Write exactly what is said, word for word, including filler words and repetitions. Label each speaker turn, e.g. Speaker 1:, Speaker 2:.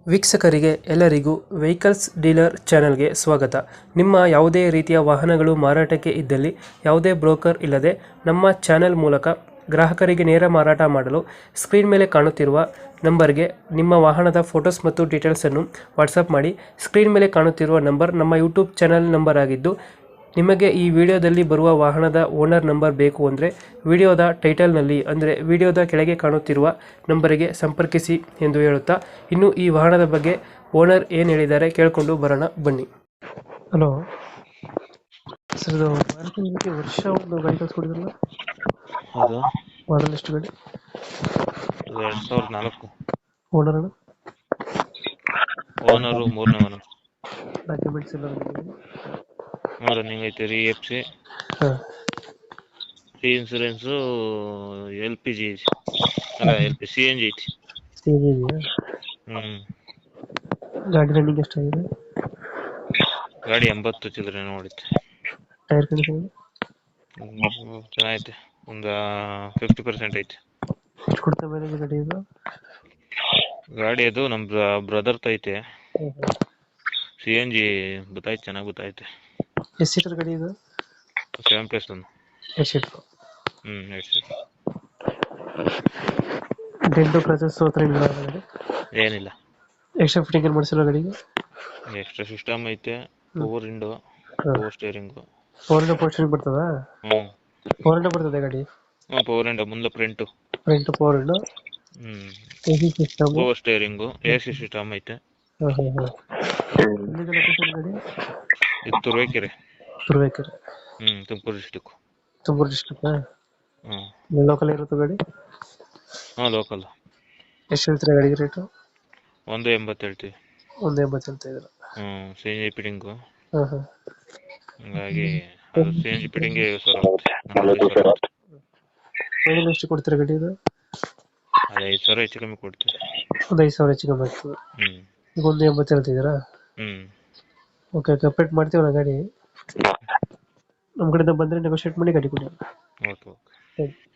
Speaker 1: ವೀಕ್ಷಕರಿಗೆ ಎಲ್ಲರಿಗೂ vehicles dealer ಚಾನೆಲ್ಗೆ ಸ್ವಾಗತ. ನಿಮ್ಮ ಯಾವುದೇ ರೀತಿಯ ವಾಹನಗಳು ಮಾರಾಟಕ್ಕೆ ಇದ್ದಲ್ಲಿ ಯಾವುದೇ ಬ್ರೋಕರ್ ಇಲ್ಲದೆ ನಮ್ಮ ಚಾನೆಲ್ ಮೂಲಕ ಗ್ರಾಹಕರಿಗೆ ನೇರ ಮಾರಾಟ ಮಾಡಲು ಸ್ಕ್ರೀನ್ ಮೇಲೆ ಕಾಣುತ್ತಿರುವ ನಂಬರ್ಗೆ ನಿಮ್ಮ ವಾಹನದ ಫೋಟೋಸ್ ಮತ್ತು ಡೀಟೇಲ್ಸನ್ನು ವಾಟ್ಸಪ್ ಮಾಡಿ. ಸ್ಕ್ರೀನ್ ಮೇಲೆ ಕಾಣುತ್ತಿರುವ ನಂಬರ್ ನಮ್ಮ ಯೂಟ್ಯೂಬ್ ಚಾನೆಲ್ ನಂಬರ್ ಆಗಿದ್ದು, ನಿಮಗೆ ಈ ವಿಡಿಯೋದಲ್ಲಿ ಬರುವ ವಾಹನದ ಓನರ್ ನಂಬರ್ ಬೇಕು ಅಂದರೆ ವಿಡಿಯೋದ ಟೈಟಲ್ನಲ್ಲಿ ಅಂದರೆ ವಿಡಿಯೋದ ಕೆಳಗೆ ಕಾಣುತ್ತಿರುವ ನಂಬರಿಗೆ ಸಂಪರ್ಕಿಸಿ ಎಂದು ಹೇಳುತ್ತಾ, ಇನ್ನು ಈ ವಾಹನದ ಬಗ್ಗೆ ಓನರ್ ಏನು ಹೇಳಿದ್ದಾರೆ ಕೇಳಿಕೊಂಡು ಬರೋಣ ಬನ್ನಿ. ಹಲೋ ಸರ್, ಇದು ಮಾರುತಿ ವರ್ಷ ಒಂದು ಗಾಡಿ ಕಳಿಸ್ಕೊಡಿದ್ರಲ್ಲ,
Speaker 2: ಹೌದು,
Speaker 1: ಮಾಡಲ್ ಎಷ್ಟು ಗಾಡಿ?
Speaker 2: ಇದು ಎರಡ್ ಸಾವಿರದ ನಾಲ್ಕು.
Speaker 1: ಓನರ್
Speaker 2: ಓನರು ಮೂರನೇ ಓನರ್.
Speaker 1: ಡಾಕ್ಯುಮೆಂಟ್ಸ್ ಎಲ್ಲ
Speaker 2: ರನ್ನಿಂಗ್ ಐತೆ. ರೀ ಎಫ್ ಸಿ,
Speaker 1: ಹಾಂ
Speaker 2: ರೀ ಇನ್ಸೂರೆನ್ಸು, ಎಲ್ ಪಿ ಜಿ ಅಲ್ಲ L P C N G ಐತಿ.
Speaker 1: ಸ್ಟೇಜ್ ಇದೆಯಾ?
Speaker 2: ಹ್ಮ್
Speaker 1: ಗಾಡಿ ರನ್ನಿಂಗ್ ಎಷ್ಟಾಗಿದೆ?
Speaker 2: ಗಾಡಿ ಎಂಬತ್ತು ಚಿಲ್ಲರೆ ನೋಡಿತ್ತೆ.
Speaker 1: ಟೈರ್ ಕಂಡೀಷನ್
Speaker 2: ಹ್ಮ್, ಚೆನ್ನಾಗೈತೆ. ಒಂದು ಫಿಫ್ಟಿ ಪರ್ಸೆಂಟ್ ಐತೆ.
Speaker 1: ಎಷ್ಟು ಕೊಡ್ತಾ ಮೈಲೇಜ್ ಗಾಡಿ ಇದು?
Speaker 2: ಗಾಡಿ ಅದು ನಮ್ ಬ್ರದರ್ ಐತೆ. ಸಿ ಎನ್ ಜಿ ಗೊತ್ತಾಯ್ತು, ಚೆನ್ನಾಗಿ ಗೊತ್ತಾಯ್ತೆ.
Speaker 1: ಎಷ್ಟು ಸೀಟರ್ ಗಾಡಿ ಇದು?
Speaker 2: ಸೆವೆನ್ ಪ್ಲಸ್ ಒಂದು.
Speaker 1: ಎಷ್ಟು ಸೀಟರ್?
Speaker 2: ಹ್ಮ್ ಎರಡು ಸೀಟ್.
Speaker 1: ಡೆಂಟು ಕ್ರಚಸ್ ಹತ್ರ ಇಲ್ಲ ಗಾಡಿ?
Speaker 2: ಏನಿಲ್ಲ.
Speaker 1: ಎಕ್ಸ್ಟ್ರಾ ಫಿಟ್ಟಿಂಗ್ ಏನು ಮಾಡಿಸಿಲ್ಲ ಗಾಡಿಗೆ?
Speaker 2: ಎಕ್ಸ್ಟ್ರಾ ಸಿಸ್ಟಮ್ ಐತೆ. Power window, power steering.
Speaker 1: Four window ಪೋಸ್ಟರಿಂಗ್ ಬರ್ತದ?
Speaker 2: ಹ್ಮ್
Speaker 1: ಫೋರ್ ಇಂಡೋ ಬರ್ತದೆ ಗಾಡಿ?
Speaker 2: ಹ್ಮ್ ಪವರ್ ವಿಂಡೋ, ಮುಂದೆ ಪ್ರಿಂಟು.
Speaker 1: ಫ್ರಂಟ್ ಫೋರ್ ಇಂಡೋ,
Speaker 2: ಹ್ಮ್
Speaker 1: AC system,
Speaker 2: power steering, A C system ಐತೆ.
Speaker 1: ಹಾಂ ಹಾಂ ಹಾಂ. ಎಲ್ಲಿದೆ ಲೊಕೇಶನ್ ಗಾಡಿ?
Speaker 2: ಇದು ತುರುವೇಕೆರೆ.
Speaker 1: ತುರುವೇಕೆರೆ.
Speaker 2: ಹ್ಮ್ ತುಮಕೂರು ಡಿಸ್ಟಿಕ್.
Speaker 1: ತುಮಕೂರು ಡಿಸ್ಟ್ರಿಕ್ಟ್?
Speaker 2: ಹ್ಮ್
Speaker 1: ಲೋಕಲ್ ಇರುತ್ತೆ ಗಾಡಿ?
Speaker 2: ಹಾ ಲೋಕಲ್.
Speaker 1: ಎಷ್ಟು ಹೇಳ್ತೀರಾ ಗಾಡಿಗೆ ರೇಟು?
Speaker 2: ಒಂದು ಎಂಬತ್ತು ಹೇಳ್ತೀವಿ.
Speaker 1: ಒಂದು ಎಂಬತ್ತು ಹೇಳ್ತಾ ಇದ್ದೀರಾ?
Speaker 2: ಹ್ಮ್ ಸಿ ಎನ್ ಜಿ ಫಿಟ್ಟಿಂಗು.
Speaker 1: ಹಾಂ ಹಾಂ.
Speaker 2: ಹಂಗಾಗಿ ಅದು ಸಿ ಎನ್ ಜಿ ಫಿಟ್ಟಿಂಗ್ ಐವತ್ತು ಸಾವಿರ ಆಗುತ್ತೆ. ನಲವತ್ತೈದು ಸಾವಿರ ಆಗುತ್ತೆ.
Speaker 1: ಫೈನಲ್ ಎಷ್ಟು ಕೊಡ್ತೀರಾ ಗಾಡಿ ಇದು?
Speaker 2: ಅದು ಐದು ಸಾವಿರ ಹೆಚ್ಚು ಕಮ್ಮಿ ಕೊಡ್ತೀವಿ.
Speaker 1: ಒಂದು ಐದು ಸಾವಿರ ಹೆಚ್ಚು ಕಮ್ಮಿ ಆಗ್ತದೆ.
Speaker 2: ಹ್ಮ್
Speaker 1: ಈಗ ಒಂದು ಎಂಬತ್ತು ಹೇಳ್ತಿದ್ದೀರಾ?
Speaker 2: ಹ್ಮ್
Speaker 1: ಓಕೆ ಓಕೆ, ಅಪ್ಡೇಟ್ ಮಾಡ್ತೀವಲ್ಲ ಗಾಡಿ. ನಮ್ಮ ಕಡೆಯಿಂದ ಬಂದರೆ ನೆಗೋಷಿಯೇಟ್ ಮಾಡಿ ಗಾಡಿ ಕೊಡಿ.
Speaker 2: Okay okay.
Speaker 1: Thank you.